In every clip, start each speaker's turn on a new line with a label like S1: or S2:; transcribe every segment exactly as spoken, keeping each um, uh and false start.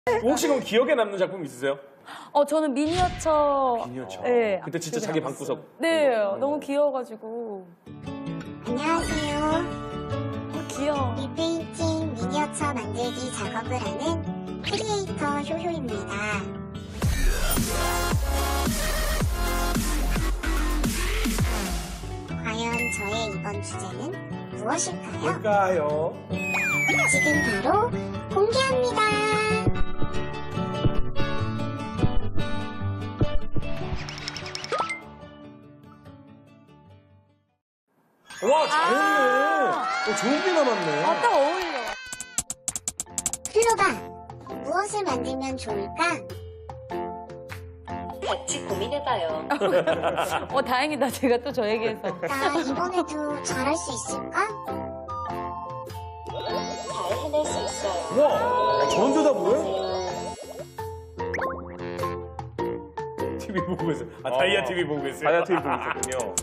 S1: 혹시 그럼 기억에 남는 작품 있으세요?
S2: 어, 저는 미니어처.
S1: 미니어처.
S2: 네.
S1: 그때 진짜
S2: 기억에
S1: 자기
S2: 남았어요.
S1: 방구석.
S2: 네,
S1: 음.
S2: 너무 귀여워가지고.
S3: 안녕하세요.
S2: 어, 귀여워.
S3: 리페인팅 미니어처 만들기 작업을 하는 크리에이터 효효입니다. 과연 저의 이번 주제는 무엇일까요?
S1: 뭘까요?
S3: 지금 바로 공개합니다.
S1: 와, 잘했네. 어, 좋은 게 남았네.
S2: 아, 딱 어울려.
S3: 플로바, 무엇을 만들면 좋을까?
S4: 같이 고민해봐요.
S2: 어, 다행이다. 제가 또 저 얘기해서.
S3: 나 이번에도 잘할 수 있을까?
S4: 잘 해낼 수 있어요.
S1: 와, 저런 대답을 해? 티비 보고 계세요. 아, 다이아 티비 보고 계세요.
S5: 다이아 티비 보고 있었군요.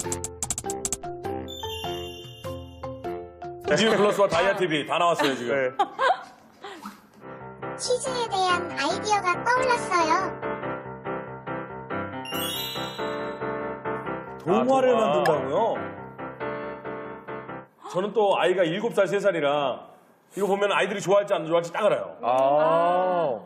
S1: 디즈니 플러스와 다이아 티비 다 나왔어요, 지금.
S5: 네.
S3: 퀴즈에 대한 아이디어가 떠올랐어요.
S1: 동화를
S5: 아, 동화.
S1: 만든다고요? 저는 또 아이가 일곱 살, 세 살이라 이거 보면 아이들이 좋아할지 안 좋아할지 딱 알아요.
S5: 아.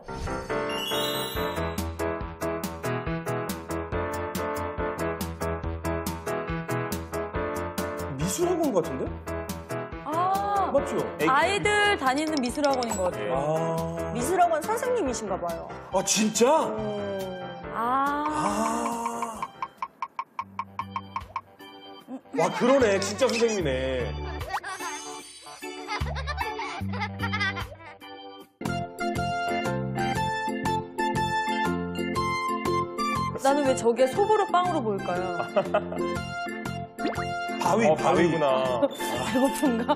S1: 미술학원 같은데?
S2: 아,
S1: 맞죠?
S2: 아이들 다니는 미술학원인 것 같아요.
S1: 아,
S6: 미술학원 선생님이신가 봐요.
S1: 아 진짜?
S2: 아.
S1: 아. 와, 그러네. 진짜 선생님이네.
S2: 나는 왜 저게 소보로 빵으로 보일까요?
S1: 바위,
S5: 어,
S1: 바위.
S5: 바위구나.
S2: 배고픈가?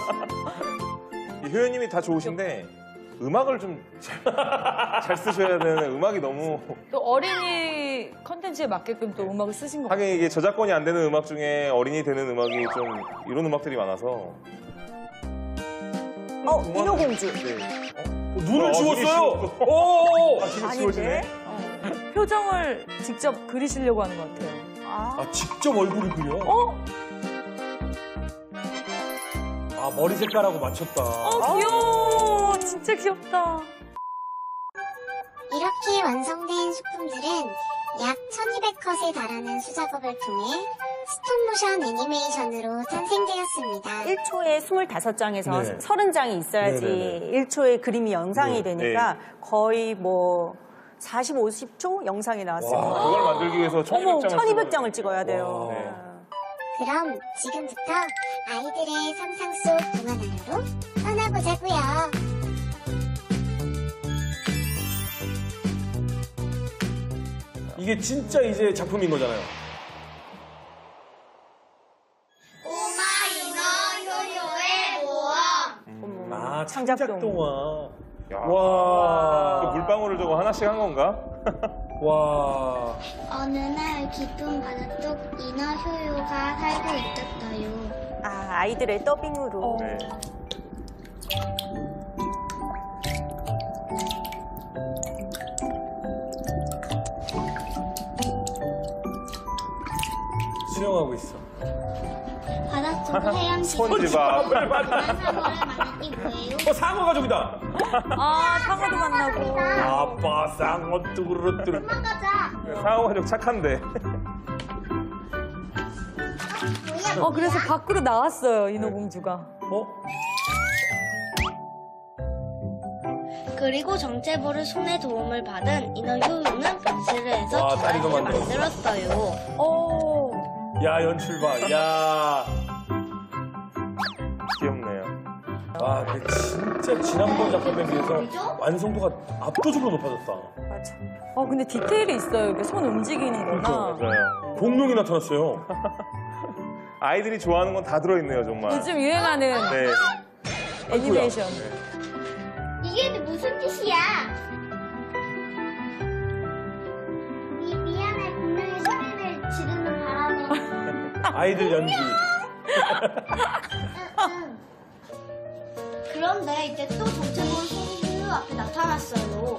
S5: 이 효연님이 다 좋으신데 음악을 좀 잘 쓰셔야 되는 음악이 너무
S2: 또 어린이 컨텐츠에 맞게끔 또 음악을 쓰신 것 같아요.
S5: 하긴 이게 저작권이 안 되는 음악 중에 어린이 되는 음악이 좀 이런 음악들이 많아서
S6: 어, 인어공주.
S5: 네.
S1: 어, 눈을
S5: 어,
S1: 지웠어요.
S5: 눈이
S1: 오.
S5: 아, 지금 지워지네.
S2: 어, 표정을 직접 그리시려고 하는 것 같아요.
S6: 아,
S1: 아, 직접 얼굴을 그려?
S2: 어?
S1: 아, 머리 색깔하고 맞췄다.
S2: 어, 귀여워. 진짜 귀엽다.
S3: 이렇게 완성된 소품들은 약 천이백 컷에 달하는 수작업을 통해 스톱모션 애니메이션으로 탄생되었습니다.
S6: 일 초에 스물다섯 장에서
S1: 네.
S6: 서른 장이 있어야지
S1: 네네네.
S6: 일 초에 그림이 영상이
S1: 네.
S6: 되니까 거의 뭐 사십, 오십 초 영상이 나왔습니다.
S5: 와, 그걸 만들기 위해서 천이백 장을
S6: 천이백 장을 찍어야 돼요.
S1: 와.
S5: 네.
S3: 그럼 지금부터 아이들의 상상 속 동화 나라로 떠나보자고요.
S1: 이게 진짜 이제 작품인 거잖아요. 아,
S6: 창작동.
S1: 창작동화.
S5: 야.
S1: 와.
S5: 그 물방울을 저거 하나씩 한 건가?
S1: 와.
S7: 어느 날 깊은 바닷속 인어 효요가 살고 있었어요.
S6: 아, 아이들의 더빙으로.
S5: 네.
S1: 수영하고 있어.
S7: 바닷속 해양식
S5: 스펀지밥.
S7: 상어를 만났기 뭐예요?
S1: 어, 상어 가족이다.
S2: 아, 상어도 만나고.
S1: 아빠 상어 뚜루뚜루.
S5: 상어 가족 착한데.
S2: 어, 그래서 밖으로 나왔어요, 인어공주가.
S1: 어?
S7: 그리고 정체부를 손에 도움을 받은 인어 효요는 변신을 해서
S1: 와, 다리도
S7: 주라기를
S1: 만들었어.
S7: 만들었어요.
S2: 어.
S1: 야, 연출 봐. 야.
S5: 귀엽네요.
S1: 와, 근데 진짜 지난번 작품에 비해서 완성도가 압도적으로 높아졌다.
S6: 맞아.
S2: 어, 근데 디테일이 있어요. 이렇게 손 움직이는 거나.
S5: 맞아요.
S1: 공룡이 나타났어요.
S5: 아이들이 좋아하는 건 다 들어있네요, 정말.
S2: 요즘 유행하는
S5: 네.
S2: 애니메이션.
S7: 이게 무슨 짓이야? 미, 미안해. 분명히 소리를 지르는 바람에.
S1: 아이들 연기.
S7: 그런데 이제 또 정체부를 손으로 앞에 나타났어요.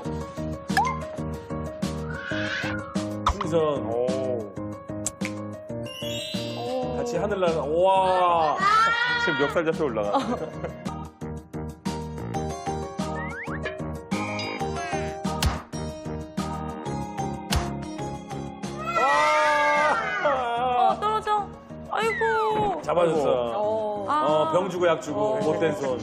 S1: 풍선.
S5: 오.
S1: 같이 하늘 나는. 와.
S5: 지금 멱살 잡혀 올라가.
S2: 어, 떨어져. 아이고.
S1: 잡아줬어.
S6: 어.
S2: 아.
S1: 어, 병 주고 약 주고 못된 손.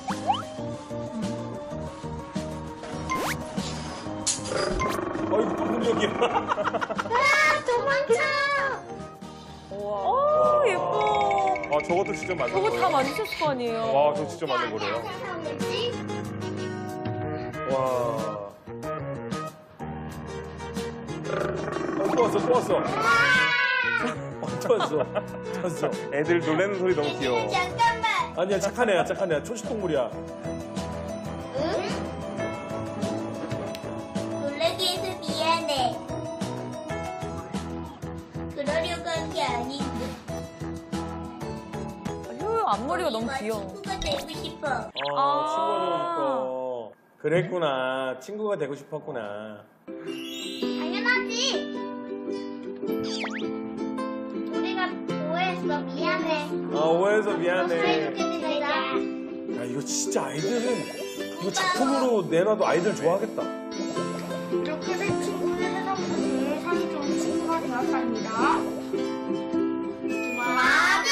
S1: 어이구 또 공격이야.
S7: 도망쳐!
S2: 어, 예뻐.
S5: 아, 저것도 직접 만든
S2: 저거
S5: 거예요?
S2: 다 만드셨을 거 아니에요.
S5: 와, 저거 직접 만든 거래요?
S1: 와. 어, 또 왔어 또 왔어. 어, 또 왔어. 또 왔어.
S5: 애들 놀래는 소리 너무 귀여워.
S7: 잠깐만.
S1: 아니야 착한 애야 착한 애야 초식동물이야.
S7: 응? 놀라게 해서 미안해. 그러려고 한 게 아닌데.
S2: 효요 앞머리가 너무 귀여워.
S7: 친구가 되고 싶어.
S1: 어
S2: 아.
S1: 친구가 되고 싶어. 그랬구나 친구가 되고 싶었구나.
S7: 당연하지. 우리가 오해했어. 미안해.
S1: 아 오해해서
S7: 더
S1: 미안해.
S7: 사이좋게 지내자.
S1: 야 이거 진짜 아이들은 이거 작품으로 내놔도 아이들 좋아하겠다.
S7: 이렇게 된 친구는 세상에서 제일 사이 좋은 친구가 되었답니다. 와드!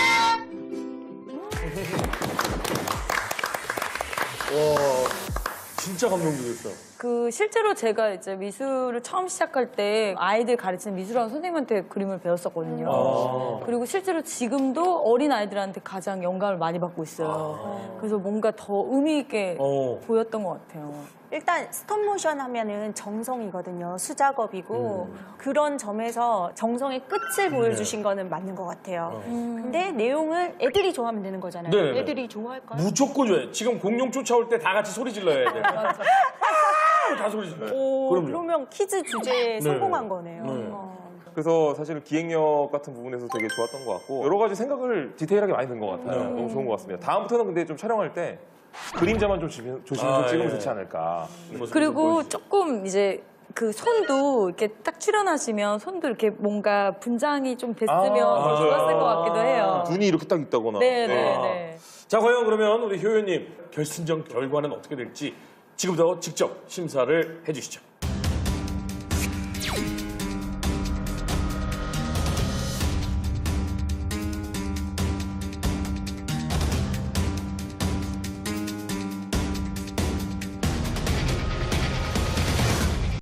S1: 와 진짜 감동적이었어.
S2: 그 실제로 제가 이제 미술을 처음 시작할 때 아이들 가르치는 미술학원 선생님한테 그림을 배웠었거든요.
S1: 아.
S2: 그리고 실제로 지금도 어린 아이들한테 가장 영감을 많이 받고 있어요. 그래서 뭔가 더 의미 있게
S1: 어.
S2: 보였던 것 같아요.
S6: 일단 스톱모션 하면은 정성이거든요. 수작업이고
S1: 음.
S6: 그런 점에서 정성의 끝을
S1: 네.
S6: 보여주신 거는 맞는 것 같아요.
S1: 어.
S6: 근데 내용을 애들이 좋아하면 되는 거잖아요.
S1: 네네네.
S6: 애들이 좋아할까요?
S1: 무조건 좋아해. 지금 공룡 쫓아올 때 다 같이 소리 질러야 돼. 아, 다 소리 질러.
S6: 오,
S1: 그럼요.
S6: 그러면 퀴즈 주제에 성공한 거네요.
S1: 네.
S6: 어.
S5: 그래서 사실은 기획력 같은 부분에서 되게 좋았던 것 같고 여러 가지 생각을 디테일하게 많이 든 것 같아요.
S1: 네.
S5: 너무 좋은 것 같습니다. 다음부터는 근데 좀 촬영할 때 그림자만 좀 조심- 조심해서
S1: 아,
S5: 찍으면
S1: 예.
S5: 좋지 않을까.
S2: 그리고 조금 이제 그 손도 이렇게 딱 출연하시면 손도 이렇게 뭔가 분장이 좀 됐으면
S5: 아,
S2: 더
S1: 맞아요.
S2: 좋았을 것 같기도 해요.
S5: 눈이 이렇게 딱 있다거나.
S2: 네네네.
S1: 자 과연 그러면 우리 효연님 결승전 결과는 어떻게 될지 지금부터 직접 심사를 해주시죠.